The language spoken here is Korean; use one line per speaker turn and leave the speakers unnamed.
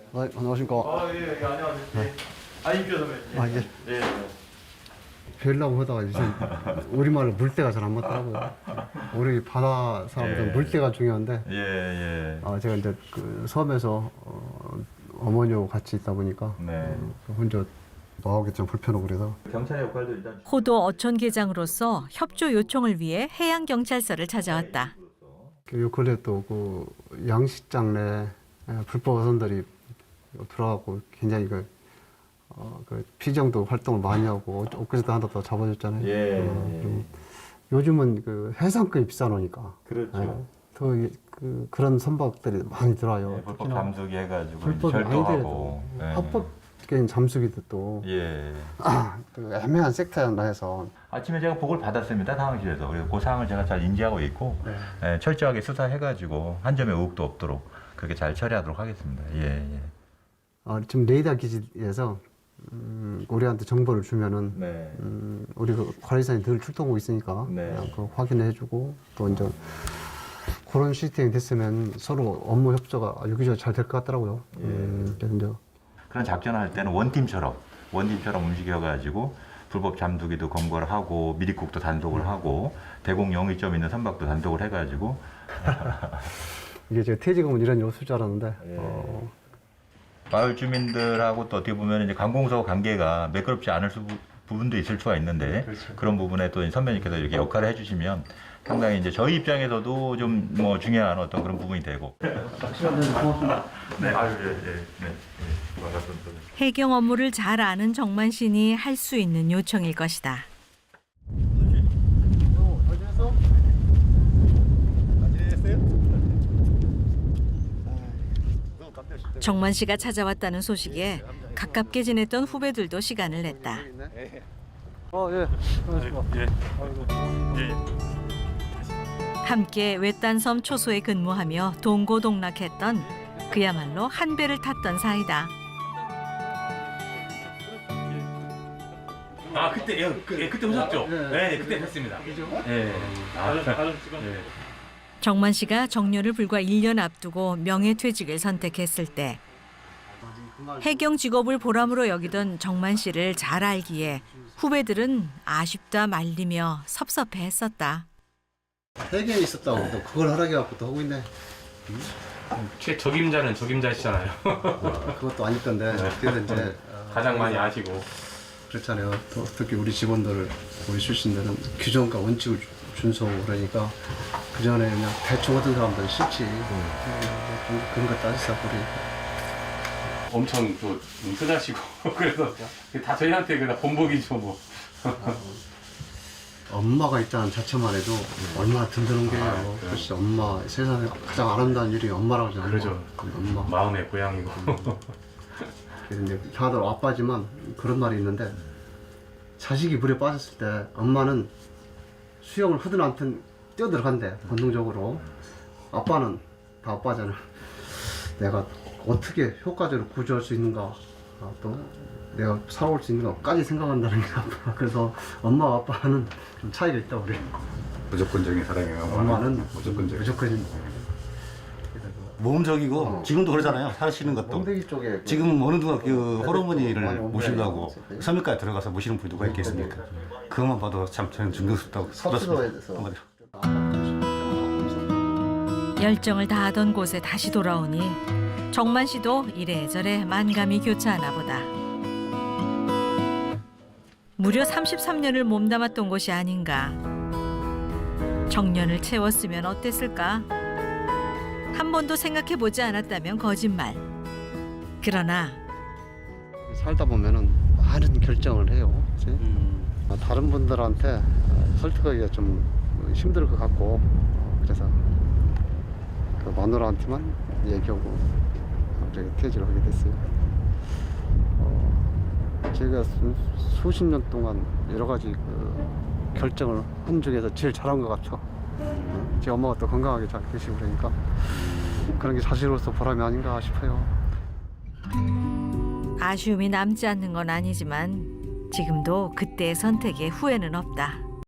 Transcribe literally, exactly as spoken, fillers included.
아, 안녕하십니까.
아, 예, 예, 안녕하세요. 예. 아, 임표 선배. 예.
아, 이제
예.
뵈려고 하다가 이제 우리말로 물때가 잘 안 맞더라고요. 우리 바다 사람들은
예.
물때가 중요한데,
예, 예.
아, 제가 이제 그 섬에서 어, 어머니하고 같이 있다 보니까
네.
어, 혼자 나오기 좀 불편하고 그래서
경찰의 역할도 일단
호도 어촌계장으로서 협조 요청을 위해 해양경찰서를 찾아왔다.
그 요 근래 또 그 양식장 내 예, 불법 어선들이 들어가고 굉장히 그, 어, 그 피정도 활동을 많이 하고 엊그제도 하나 더 잡아줬잖아요.
예,
어,
예.
그리고 요즘은 그 해상급이 비싸놓으니까
그렇죠.
예, 더 이- 그, 그런 선박들이 많이 들어와요.
예, 불법
특히나
잠수기 해가지고
불법이
절도하고.
아니더라도
예.
합법적인 잠수기도 또
예.
그 애매한 섹터였나 해서
아침에 제가 보고를 받았습니다, 상황실에서. 그래서 그 사항을 제가 잘 인지하고 있고,
네.
예, 철저하게 수사해가지고 한 점의 의혹도 없도록 그렇게 잘 처리하도록 하겠습니다. 예, 예.
어, 지금 레이더 기지에서 음, 우리한테 정보를 주면은
네.
음, 우리 그 관리사님 늘 출동하고 있으니까
네.
그냥 그 확인해주고 또 이제 그런 시스템이 됐으면 서로 업무 협조가 여기저기 잘 될 것 같더라고요.
예.
음, 그래서 이제
그런 작전을 할 때는 원팀처럼 원팀처럼 움직여가지고 불법 잠수기도 검거를 하고 미리국도 단속을 하고 대공 영위점 있는 선박도 단속을 해가지고
이게 제가 퇴직하면 이런 일 없을 줄 알았는데
예.
어,
마을 주민들하고 또 어떻게 보면 이제 관공서 관계가 매끄럽지 않을 수, 부분도 있을 수가 있는데
그렇죠.
그런 부분에 또 선배님께서 이렇게 역할을 해주시면 상당히 이제 저희 입장에서도 좀 뭐 중요한 어떤 그런 부분이 되고.
시간 내서 고맙습니다.
네, 아유, 예, 예, 네, 예, 반갑습니다.
해경 업무를 잘 아는 정만신이 할 수 있는 요청일 것이다.
어, 잘 지냈어? 잘 지냈어요?
정만 씨가 찾아왔다는 소식에 가깝게 지냈던 후배들도 시간을 냈다.
어, 예.
예, 예.
함께 외딴섬 초소에 근무하며 동고동락했던 그야말로 한 배를 탔던 사이다.
아 그때 예, 그, 예, 그때 오셨죠?
네,
네,
네.
네 그때 뵀습니다.
그죠?
예. 아, 예.
정만 씨가 정년을 불과 일 년 앞두고 명예퇴직을 선택했을 때 해경 직업을 보람으로 여기던 정만 씨를 잘 알기에 후배들은 아쉽다 말리며 섭섭해했었다.
해경에 있었다고 또 그걸 하락해갖고 또 하고 있네.
최 적임자는 적임자시잖아요.
그것도 아닐 건데 그래서 이제 어,
가장 많이 아시고.
그렇잖아요. 또 특히 우리 직원들, 우리 출신들은 규정과 원칙을 준수하고 그러니까 그 전에 그냥 대충 하던 사람들은 싫지. 좀 그런 거 따지자 우리.
엄청 또 흔하시고 그래서 다 저희한테 그냥 본보기죠 뭐.
엄마가 있다는 자체만 해도 얼마나 든든한 게요.
아,
그렇지. 엄마 세상에 가장 아름다운 일이 엄마라고 하잖아요.
그러죠.
엄마.
마음의 고향이고.
그래서 이제 다들 아빠지만 그런 말이 있는데 자식이 물에 빠졌을 때 엄마는 수영을 하든 않든 뛰어들어간대 본능적으로. 아빠는 다 아빠잖아. 내가 어떻게 효과적으로 구조할 수 있는가, 아, 또 내가 살아올 수 있는가까지 생각한다는 게 아빠. 그래서 엄마와 아빠는 좀 차이가 있다 우리.
무조건적인 사랑이에요.
엄마는
무조건적.
무조건
모험적이고
어.
지금도 그러잖아요. 사시는 것도.
멍대기 쪽에
지금 어느 누가 그
어,
호르몬이를
많이
모시려고
옮겨야
섬유까지 들어가서 모시는 분이 누가 있겠습니까? 그것만 봐도 참 저는 존경스럽다고
섭수도에
들었습니다.
대해서
한마디로.
열정을 다하던 곳에 다시 돌아오니 정만 씨도 이래저래 만감이 교차하나 보다. 무려 삼십삼 년을 몸담았던 곳이 아닌가. 정년을 채웠으면 어땠을까? 한 번도 생각해보지 않았다면 거짓말. 그러나
살다 보면은 많은 결정을 해요. 그치?
음.
아, 다른 분들한테 설득하기가 좀 힘들 것 같고 그래서 그 마누라한테만 얘기하고 갑자기 퇴직을 하게 됐어요. 어, 제가 수, 수십 년 동안 여러 가지 그 결정을 한 중에서 제일 잘한 것 같아. 어, 제 엄마가 또 건강하게 잘 계시고 그러니까 그런 게 자식으로서 보람이 아닌가 싶어요.
아쉬움이 남지 않는 건 아니지만 지금도 그때의 선택에 후회는 없다.